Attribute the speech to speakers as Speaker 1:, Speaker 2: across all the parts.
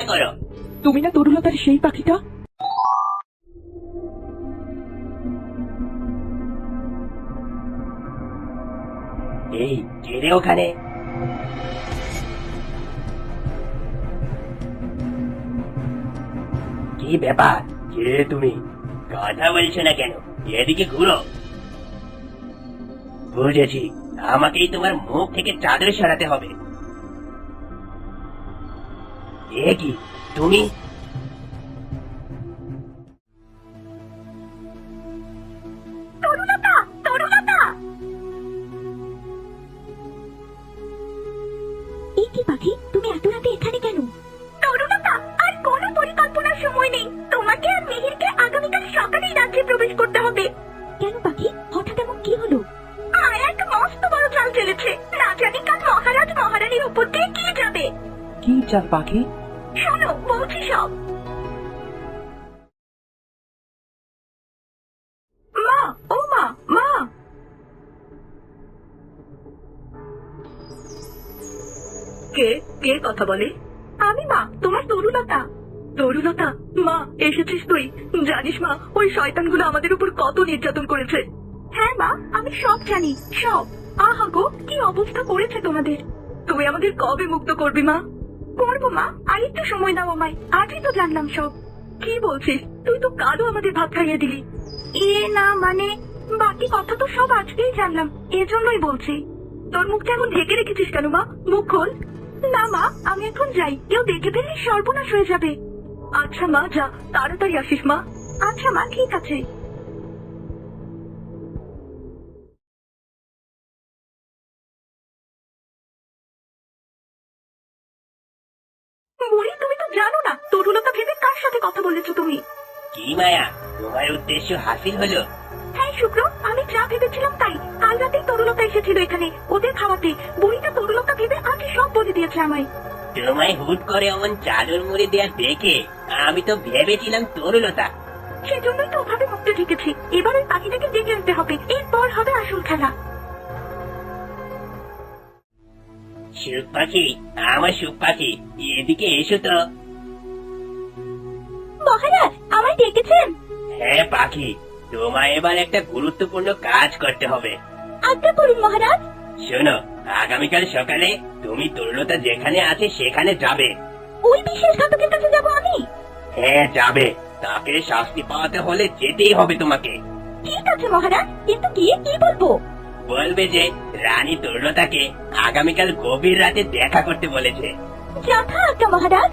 Speaker 1: করো।
Speaker 2: তুমি না তরুলতার সেই পাখিটা?
Speaker 1: এই কে রে ওখানে? কি ব্যাপার? কে তুমি? কথা বলছো না কেন? এদিকে ঘুরো। বুঝেছি, আমাকেই তোমার মুখ থেকে চাদর সরাতে হবে। এ কি তুমি?
Speaker 3: তরুলতা, তরুলতা! এই কি পাখি, তুমি এত রাতে এখানে কেন? তরুলতা, আর কোনো পরিকল্পনার সময় নেই। তোমাকে আর মিহিরকে আগামীকাল সকালেই রাজ্যে প্রবেশ করতে হবে। কেন পাখি, হঠাৎ এমন কি হলো? এক মস্ত বড় চাল চলেছে। না জানি কাল মহারাজ মহারানীর উপর দিয়ে কি যাবে।
Speaker 2: কি চাল পাখি?
Speaker 3: শোনো, বলছি সব। মা, ও মা, মা! কে কে কথা বলে? আমি মা, তোমার তরুলতা। তরুলতা, মা এসেছিস তুই? জানিস মা, ওই শয়তানগুলো আমাদের উপর কত নির্যাতন করেছে। হ্যাঁ মা, আমি সব জানি, সব। আহা গো, কি অবস্থা করেছে তোমাদের। তুই আমাদের কবে মুক্ত করবি মা? করবো মা, আর একটু সময় দাও আমায়। আজই তো জানলাম সব। কি বলছিস? তুই তো কালও আমাদের ভাত খাইয়ে দিলি। না মানে, বাকি কথা তো সব আজকেই জানলাম, এজন্যই বলছি। তোর মুখটা এখন ঢেকে রেখেছিস কেন মা? মুখ খোল। না মা, আমি এখন যাই, কেউ দেখে ফেললে সর্বনাশ হয়ে যাবে। আচ্ছা মা, যা, তাড়াতাড়ি আসিস মা। আচ্ছা মা, ঠিক আছে। বুড়ি, তুমি তো জানো না তরুলতা ভেবে কার সাথে কথা বলেছো তুমি।
Speaker 1: কি মায়া, তোমার উদ্দেশ্য হাসিল হলো?
Speaker 3: হ্যাঁ শুক্র, আমি যা ভেবেছিলাম তাই। কাল রাতেই তরুলতা এসেছিল এখানে ওদের খাওয়াতে। বুড়িটা তরুলতা ভেবে আজই সব বলে দিয়েছে আমায়।
Speaker 1: তোমায় হুট করে এমন চাদর মুড়ে দেয়া দেখে আমি তো ভেবেছিলাম তরুলতা।
Speaker 3: সেজন্যই তো ওভাবে মুখটা ঢেকেছি। এবার ওই পাখিটাকে ডেকে আনতে হবে, এরপর হবে আসল খেলা।
Speaker 1: সুখ পাখি, আমার সুখ পাখি, এদিকে এসো তো।
Speaker 3: মহারাজ, আমায় ডেকেছেন?
Speaker 1: হ্যাঁ পাখি, তোমায় এবার একটা গুরুত্বপূর্ণ কাজ করতে হবে।
Speaker 3: আজ্ঞা করুন মহারাজ।
Speaker 1: শোনো, আগামীকাল সকালে তুমি তরুলতা যেখানে আছে সেখানে যাবে।
Speaker 3: ওই বিশ্বাসঘাতকের কাছে যাবো আমি?
Speaker 1: হ্যাঁ যাবে, তাকে শাস্তি পাওয়াতে হলে যেতেই হবে তোমাকে।
Speaker 3: ঠিক আছে মহারাজ, কিন্তু গিয়ে কি বলবো?
Speaker 1: বলবে যে রানী তরুলতাকে আগামীকাল গভীর রাতে দেখা করতে বলেছে।
Speaker 3: যথা আজ্ঞা মহারাজ।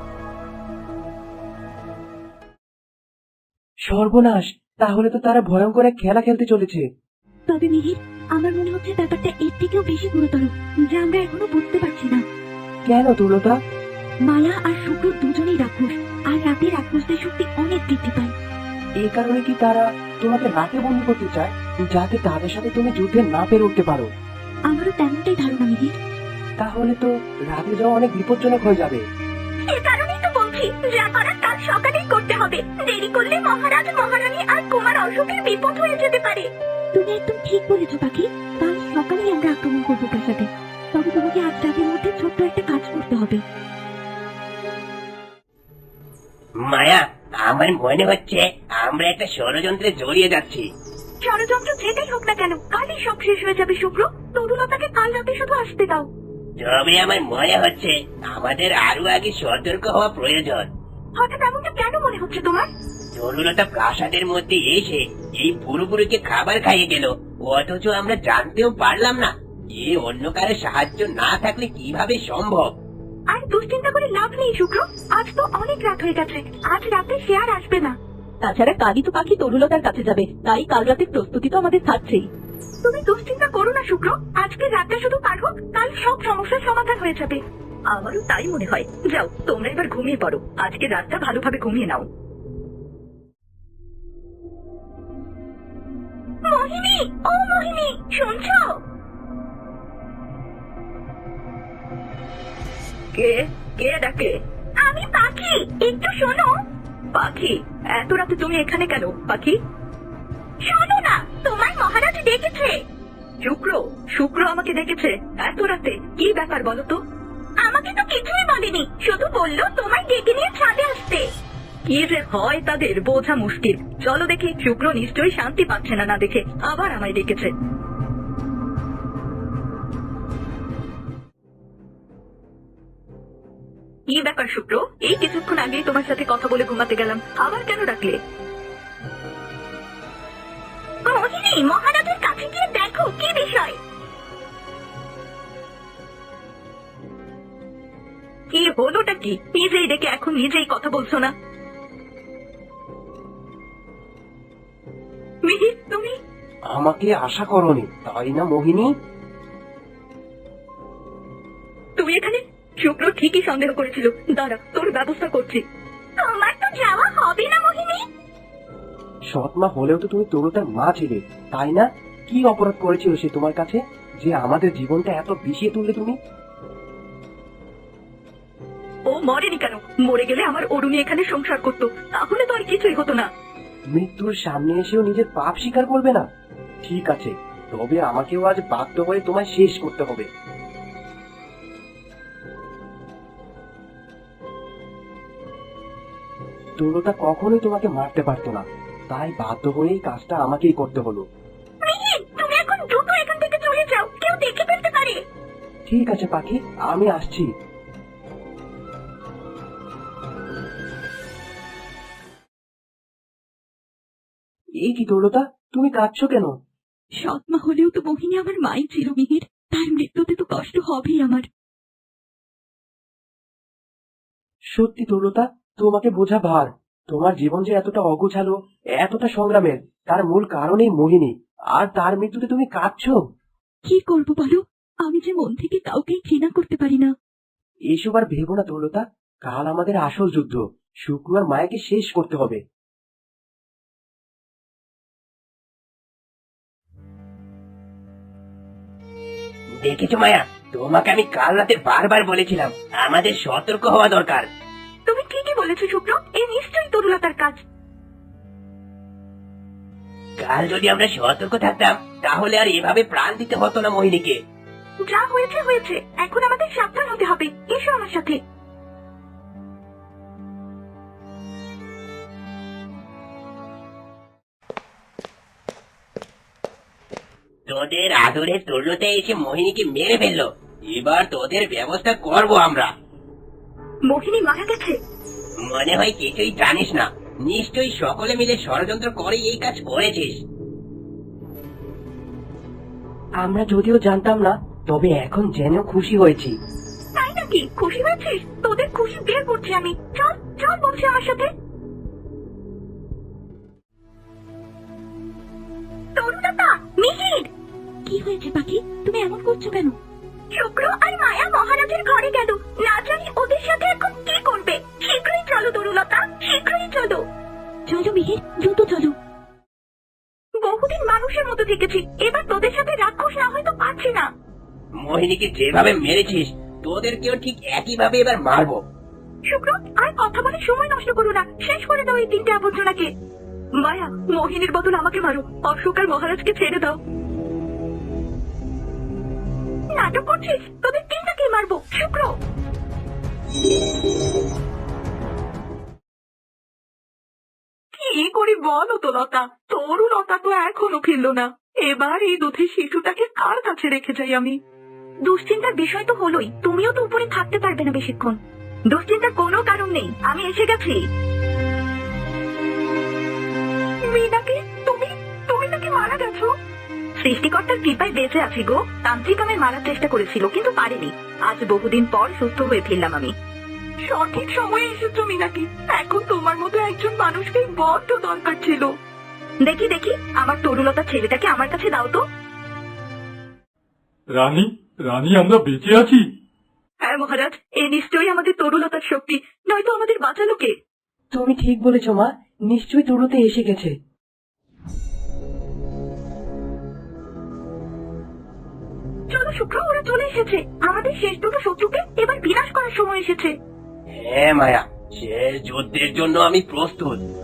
Speaker 2: সর্বনাশ, তাহলে তো তারা ভয়ঙ্কর এক খেলা খেলতে চলেছে।
Speaker 3: তবে মিহির, আমার মনে হচ্ছে ব্যাপারটা এর থেকেও বেশি গুরুতর, যা আমরা এখনো বুঝতে পারছি না।
Speaker 2: কেন তরুলতা?
Speaker 3: মালা আর শুক্র দুজনেই রাক্ষস, আর রাতে রাক্ষসদের শক্তি অনেক বৃদ্ধি পায়।
Speaker 2: এই কারণে কি তারা তোমাকে রাতে বন্দি করতে চায়, যাতে তাদের সাথে তুমি যুদ্ধে না পেরে উঠতে পারো?
Speaker 3: আমারও তেমনটাই ধারণা মিহির।
Speaker 2: তাহলে তো রাতে যাওয়া অনেক বিপজ্জনক হয়ে যাবে।
Speaker 3: এ কারণেই তো বলছি, যা করার কাল সকালেই করতে হবে। দেরি করলে মহারাজ মহারানী আর কুমার অশোকের বিপদ হয়ে যেতে পারে। তুমি একদম ঠিক বলেছো পাখি, কাল সকালেই আমরা আক্রমণ করবো প্রাসাদে। তবে তোমাকে আজ রাতের মধ্যে ছোট্ট একটা কাজ করতে হবে।
Speaker 1: মায়া, আমার মনে হচ্ছে আমরা একটা ষড়যন্ত্রে জড়িয়ে যাচ্ছি।
Speaker 3: ষড়যন্ত্র যেটাই হোক না কেন, কালই সব শেষ হয়ে যাবে শুক্র। তরুলতাকে কাল রাতে শুধু আসতে দাও।
Speaker 1: তবে আমার মনে হচ্ছে আমাদের আরো আগে সতর্ক হওয়া প্রয়োজন।
Speaker 3: হঠাৎ এমনটা কেন মনে হচ্ছে তোমার?
Speaker 1: তরুলতা প্রাসাদের মধ্যে এসে এই বুড়োকে খাবার খাইয়ে গেল, অথচ আমরা জানতেও পারলাম না। এ অন্য কারো সাহায্য না থাকলে কিভাবে সম্ভব?
Speaker 3: আর দুশ্চিন্তা করে লাভ নেই শুক্র, আজ তো অনেক রাত হয়ে গেছে। আজ রাতে সে আর আসবে না। তাছাড়া কালই তো পাখি তরুলতার কাছে যাবে, তাই কাল রাতের প্রস্তুতি তো আমাদের থাকছেই। তুমি দুশ্চিন্তা করো না শুক্র, আজকে রাতটা শুধু পার হোক, কাল সব সমস্যার সমাধান হয়ে যাবে। আমারও তাই মনে হয়। যাও, তোমরা এবার ঘুমিয়ে পড়ো। আজকে রাতটা ভালোভাবে ঘুমিয়ে নাও। মোহিনী, ও মোহিনী, শুনছো? কে কে ডাকে? আমি পাখি, একটু শোনো। পাখি, এত রাতে তুমি এখানে কেন পাখি? শোনো না, তোমার মহারাজ ডেকেছে। শুক্র শুক্র আমাকে ডেকেছে এত রাতে? কি ব্যাপার বলো তো? আমাকে তো কিছুই বলেনি, শুধু বললো তোমায় ডেকে নিয়ে ছাদে আসতে। কি যে হয় তাদের বোঝা মুশকিল। চলো দেখি, শুক্র নিশ্চয়ই শান্তি পাচ্ছে না দেখে আবার আমায় ডেকেছে। কি ব্যাপার শুক্র, এই কিছুক্ষণ আগেই তোমার সাথে কথা বলে ঘুমাতে গেলাম, আবার কেন ডাকলে? মোহিনী, মহারাজের কাছে গিয়ে দেখো কি বিষয়। কি হলোটা কি? নিজেই ডেকে এখন নিজেই কথা বলছো না। মিহির, তুমি
Speaker 2: আমাকে আশা করনি, তাই না মোহিনী?
Speaker 3: তুমি এখানে? শুক্র ঠিকই সন্দেহ করেছিল। দাঁড়া, তোর ব্যবস্থা করছি। তোমার তো যাওয়া হবে না মোহিনী।
Speaker 2: সৎমা হলেও তো তুমি তরুতার মা ছিলে, তাই না? কি অপরাধ করেছিল সে তোমার কাছে যে আমাদের জীবনটা এত বিষিয়ে তুললে তুমি?
Speaker 3: ও মরেনি কেন? মরে গেলে আমার অরুণী এখানে সংসার করতো, তাহলে তো আর কিছুই হতো না।
Speaker 2: মৃত্যুর সামনে এসেও নিজের পাপ স্বীকার করবে না? ঠিক আছে, তবে আমাকেও আজ বাধ্য হয়ে তোমায় শেষ করতে হবে। তরুতা কখনোই তোমাকে মারতে পারতো না, তাই বাধ্য হয়েই কাজটা আমাকেই করতে হলো।
Speaker 3: মিহির, তুমি এখন দ্রুত এখান থেকে চলে যাও, কেউ দেখে ফেলতে পারে।
Speaker 2: ঠিক আছে পাখি, আমি আসছি। এই কি তরুতা, তুমি কাঁদছো কেন?
Speaker 3: সৎমা হলেও তো মোহিনী আমার মাই ছিল মিহির, তার মৃত্যুতে তো কষ্ট হবেই আমার।
Speaker 2: সত্যি তরুতা, তোমাকে বোঝা ভার। তোমার জীবন যে এতটা অগোছালো, এতটা সংগ্রামের, তার মূল কারণই মোহিনী, আর তার মৃত্যুতে তুমি কাঁদছো।
Speaker 3: কি করবো বলো, আমি যে মন থেকে কাউকেই ঘৃণা করতে পারি না।
Speaker 2: এসব আর ভেবো না তরুতা, কাল আমাদের আসল যুদ্ধ, শুক্র আর মায়াকে শেষ করতে হবে।
Speaker 1: দেখেছো মায়া, তোমাকে আমি কাল রাতে বারবার বলেছিলাম আমাদের সতর্ক হওয়া দরকার।
Speaker 3: তুমি ঠিকই বলেছো শুক্র, এই নিশ্চয়ই তরুলতার কাজ।
Speaker 1: কাল যদি আমরা সতর্ক থাকতাম তাহলে আর এভাবে প্রাণ দিতে হতো না মোহিনীকে।
Speaker 3: যা হয়েছে হয়েছে, এখন আমাদের সাবধান হতে হবে। এসো আমার সাথে।
Speaker 1: তোদের আদরের তরুণতে এসে মোহিনীকে মেরে ফেললো, এবার তোদের ব্যবস্থা করব আমরা।
Speaker 3: মোহিনী মারা গেছে?
Speaker 1: মনে হয় কিছুই জানিস না, নিশ্চয়ই সকলে মিলে ষড়যন্ত্র করে এই কাজ করেছিস।
Speaker 2: আমরা যদিও জানতাম না, তবে এখন জেনেও খুশি হয়েছি।
Speaker 3: তাই নাকি? খুশি হয়েছিস? তোদের খুশি বের করছি আমি। চল চল বলছি আমার সাথে। তরুণতা, মিহির। কি হয়েছে পাখি, তুমি এমন করছো কেন? শুক্র আর মায়া মহারাজের ঘরে গেল, না জানি ওদের সাথে এখন কি করবে। শীঘ্রই চলো তরুণতা, শীঘ্রই চলো। চলো মিহির, দ্রুত চলো। বহুদিন মানুষের মতো থেকেছি, এবার তোদের সাথে রাক্ষস না হয়তো পারছি না।
Speaker 1: মোহিনীকে যেভাবে মেরেছিস তোদেরকেও ঠিক একইভাবে এবার মারবো।
Speaker 3: শুক্র, আর কথা বলে সময় নষ্ট করো না, শেষ করে দাও এই তিনটে আবর্জনাকে। মায়া, মোহিনীর বদল আমাকে মারো, অশোক আর মহারাজকে ছেড়ে দাও। নাটক করছিস? তোদের তিনটাকে মারবো। শুক্র, কি করি বলো তো লতা, তরুলতা তো এখনো ফিরল না। এবার এই দুধের শিশুটাকে কার কাছে রেখে যাই আমি? দুশ্চিন্তার বিষয় তো হলোই, তুমিও তো উপরে থাকতে পারবে না বেশিক্ষণ। দুশ্চিন্তার কোনো কারণ নেই, আমি এসে গেছি। মীনাকে, তুমি তুমি নাকি মারা গেছো? সৃষ্টিকর্তার কৃপায় বেঁচে আছি গো। তান্ত্রিক আমায় মারার চেষ্টা করেছিল কিন্তু পারেনি। আজ বহুদিন পর সুস্থ হয়ে ফিরলাম আমি। সঠিক সময়ে এসেছো মীনাকি, এখন তোমার মতো একজন মানুষকে বড্ড দরকার ছিল। দেখি দেখি, আমার তরুলতা ছেলেটাকে আমার কাছে দাও তো।
Speaker 4: রানী, রানী, আমরা বেঁচে আছি।
Speaker 3: হ্যাঁ মহারাজ, এ নিশ্চয়ই আমাদের তরুলতার শক্তি, নয়তো আমাদের বাঁচালো কে?
Speaker 2: তুমি ঠিক বলেছ মা, নিশ্চয়ই তরুতে এসে গেছে।
Speaker 3: চলো শুক্র, ওরা চলে এসেছে। আমাদের শেষ দুটো শত্রুকে এবার বিনাশ করার সময় এসেছে।
Speaker 1: হ্যাঁ মায়া, শেষ যুদ্ধের জন্য আমি প্রস্তুত।